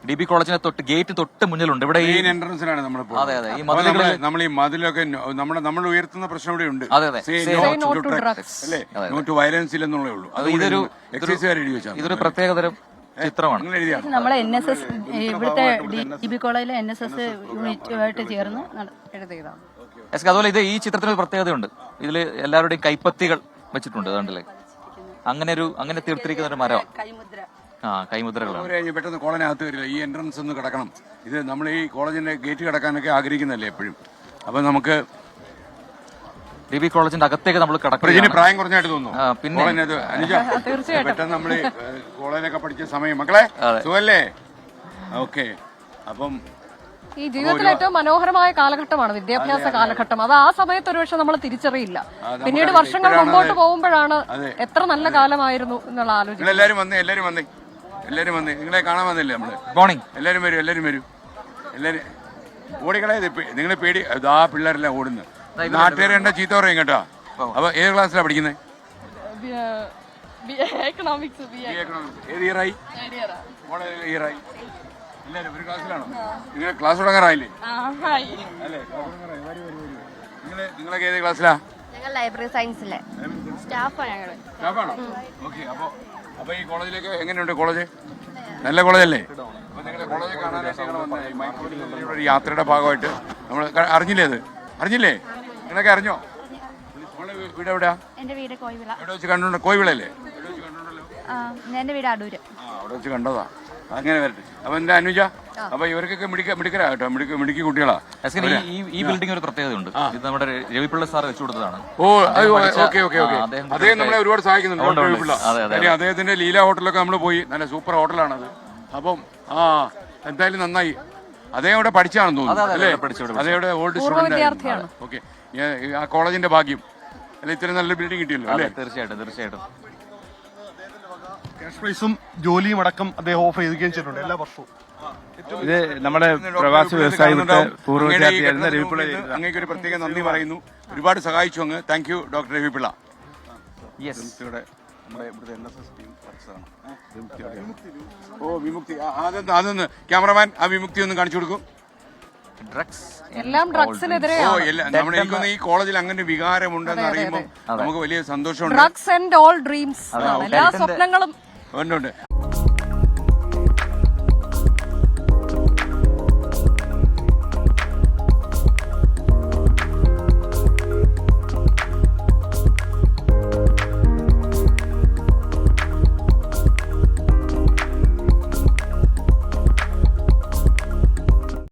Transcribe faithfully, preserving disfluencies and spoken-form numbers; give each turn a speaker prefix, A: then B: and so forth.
A: D B കോളേജിന്റെ തൊട്ട് gate തൊട്ട് മുന്നിലുണ്ട്. ഇവിടെ ഈ
B: എൻട്രൻസിലാണ് നമ്മൾ.
A: അതെ അതെ ഈ മതിലുകളിൽ
B: നമ്മൾ ഈ മതിലൊക്കെ നമ്മുടെ നമ്മൾ ഉയർത്തുന്ന പ്രശ്നം ഇവിടെ ഉണ്ട്.
A: അതെ അതെ
B: അല്ലേ, നോ ടു വയലൻസ് ഇല്ലെന്നുള്ളേ ഉള്ളൂ. അത്
A: ഇതൊരു
B: എക്സൈസുകാർ എഴുതി വെച്ചാൽ
A: ഇതൊരു പ്രത്യേകതരം ചിത്രമാണ്.
C: നമ്മളെ എൻ എസ് എസ് ഇവിടുത്തെ ഡി ബി കോളേജിലെ എൻ എസ് എസ് യൂണിറ്റുമായിട്ട് ചേർന്ന് എഴുതിയതാണ്.
A: അതുപോലെ ഇത് ഈ ചിത്രത്തിന് ഒരു പ്രത്യേകതയുണ്ട്. ഇതില് എല്ലാവരുടെയും കൈപ്പത്തികൾ വെച്ചിട്ടുണ്ട്. അതുകൊണ്ടല്ലേ അങ്ങനെ ഒരു അങ്ങനെ തീർത്തിരിക്കുന്ന ഒരു മരം. ആ കൈമുദ്രകളാണ്.
B: പെട്ടെന്ന് കോളേജിനകത്ത് വരില്ല, ഈ എൻട്രൻസ് ഒന്ന് കിടക്കണം. ഇത് നമ്മൾ ഈ കോളേജിന്റെ ഗേറ്റ് കിടക്കാനൊക്കെ ആഗ്രഹിക്കുന്നല്ലേ എപ്പോഴും. അപ്പൊ നമുക്ക്
A: ഡി ബി കോളേജിന്റെ അകത്തേക്ക് നമ്മൾ കിടക്കും.
B: പ്രായം കുറഞ്ഞായിട്ട് തോന്നുന്നു.
A: പിന്നെ
B: പെട്ടെന്ന് നമ്മള് കോളേജിലൊക്കെ പഠിച്ച സമയം. മക്കളെ സുഖല്ലേ? ഓക്കെ. അപ്പം
D: ഈ ജീവിതത്തിൽ ഏറ്റവും മനോഹരമായ കാലഘട്ടമാണ് വിദ്യാഭ്യാസ കാലഘട്ടം. അത് ആ സമയത്ത് ഒരുപക്ഷെ നമ്മൾ തിരിച്ചറിയില്ല. പിന്നീട് വർഷങ്ങൾ മുമ്പോട്ട് പോകുമ്പോഴാണ് എത്ര നല്ല കാലമായിരുന്നു എന്നുള്ള ആലോചന.
B: എല്ലാരും വന്നേ, എല്ലാരും വന്നേ, എല്ലാരും വന്നേ. നിങ്ങളെ കാണാൻ വന്നില്ലേ നമ്മള്?
A: മോർണിംഗ്.
B: എല്ലാരും വരും, എല്ലാരും വരും, എല്ലാരും ഓടിക്കളെ. നിങ്ങളെ പേടി ആ പിള്ളേരെല്ലാം ഓടുന്നു. നാട്ടുകാരെ എന്റെ ചീത്ത പറയും കേട്ടോ. അപ്പൊ ഏത് ക്ലാസ്സിലാണ് പഠിക്കുന്നത്? ഏത് ഇയറായി? ഇയറായി എല്ലാരും ഒരു ക്ലാസ്സിലാണോ? നിങ്ങൾ ക്ലാസ് തുടങ്ങാറായില്ലേ? അല്ലേ, നിങ്ങള് നിങ്ങളൊക്കെ ഏത് ക്ലാസ്സിലാ?
E: ഞങ്ങൾ ലൈബ്രറി സയൻസിലെ സ്റ്റാഫാണ്. ഞങ്ങള്
B: സ്റ്റാഫാണോ? ഓക്കെ. അപ്പൊ അപ്പൊ ഈ കോളേജിലേക്ക് എങ്ങനെയുണ്ട്? കോളേജ് നല്ല കോളേജല്ലേ? അപ്പൊ നിങ്ങളുടെ കോളേജ് കാണാനായിട്ട് ഒരു യാത്രയുടെ ഭാഗമായിട്ട് നമ്മൾ അറിഞ്ഞില്ലേ? അത് അറിഞ്ഞില്ലേ? നിങ്ങളൊക്കെ അറിഞ്ഞോ? വീട് എവിടെയാ?
E: എന്റെ വീട് കോയിവിള.
B: എവിടെ വെച്ച് കണ്ടോ? കോയിവിളല്ലേ? എവിടെ വെച്ച് കണ്ടോണ്ടല്ലോ?
E: എന്റെ വീട് അടൂര്.
B: ആ, അവിടെ വെച്ച് കണ്ടതാ. അങ്ങനെ വരട്ടെ. അപ്പൊ എന്റെ അനുജ, അപ്പൊ ഇവർക്കൊക്കെ മിടിക്ക മിടിക്കലാ കേട്ടോ. മിടുക്ക് മിടുക്കി കുട്ടികളാ.
A: ഈ ബിൽഡിംഗ് ഒരു പ്രത്യേകതയുണ്ട്. ഇത് നമ്മുടെ രവിപിള്ള സാർ വെച്ചു കൊടുത്തതാണ്.
B: Oh okay okay okay. അദ്ദേഹം നമ്മളെ ഒരുപാട് സഹായിക്കുന്നുണ്ട്. രവിപിള്ള അദ്ദേഹത്തിന്റെ ലീല ഹോട്ടലൊക്കെ നമ്മൾ പോയി. നല്ല സൂപ്പർ ഹോട്ടലാണത്. അപ്പം ആ എന്തായാലും നന്നായി. അദ്ദേഹം ഇവിടെ പഠിച്ചാണെന്ന് തോന്നുന്നു അല്ലേ? അദ്ദേഹം ഓൾഡ് സ്റ്റുഡന്റ്. ഓക്കെ. ആ കോളേജിന്റെ ഭാഗ്യം അല്ലെ, ഇത്രയും നല്ല ബിൽഡിംഗ് കിട്ടിയല്ലോ അല്ലേ?
A: തീർച്ചയായിട്ടും തീർച്ചയായിട്ടും.
F: ക്യാഷ് പ്രൈസും ജോലിയും അടക്കം അദ്ദേഹം ഓഫർ ചെയ്യുകയും ചെയ്തിട്ടുണ്ട് എല്ലാ വർഷവും.
G: ഇത് നമ്മുടെ പ്രവാസി വ്യവസായത്തിന്റെ പൂർവ്വ വിദ്യാർത്ഥിയായിരുന്ന രവിപിള്ള.
B: അങ്ങേക്ക് ഒരു പ്രത്യേക നന്ദി പറയുന്നു. ഒരുപാട് സഹായിച്ചു അങ്ങ്. Thank you doctor Ravi Pillai. Oh Vimukthi. അതൊന്ന് അതൊന്ന് ക്യാമറമാൻ ആ വിമുക്തി ഒന്ന് കാണിച്ചു കൊടുക്കും.
A: ഡ്രഗ്സ്
D: എല്ലാം ഡ്രഗ്സിനെതിരെ.
B: ഓ നമ്മുടെ എനിക്കൊന്ന് ഈ കോളേജിൽ അങ്ങനെ വികാരമുണ്ടെന്ന് അറിയുമ്പോൾ നമുക്ക് വലിയ സന്തോഷമുണ്ട്.
D: ഡ്രഗ്സ് ആൻഡ് ഓൾ ഡ്രീംസ്, എല്ലാ സ്വപ്നങ്ങളും
B: ഉണ്ട്.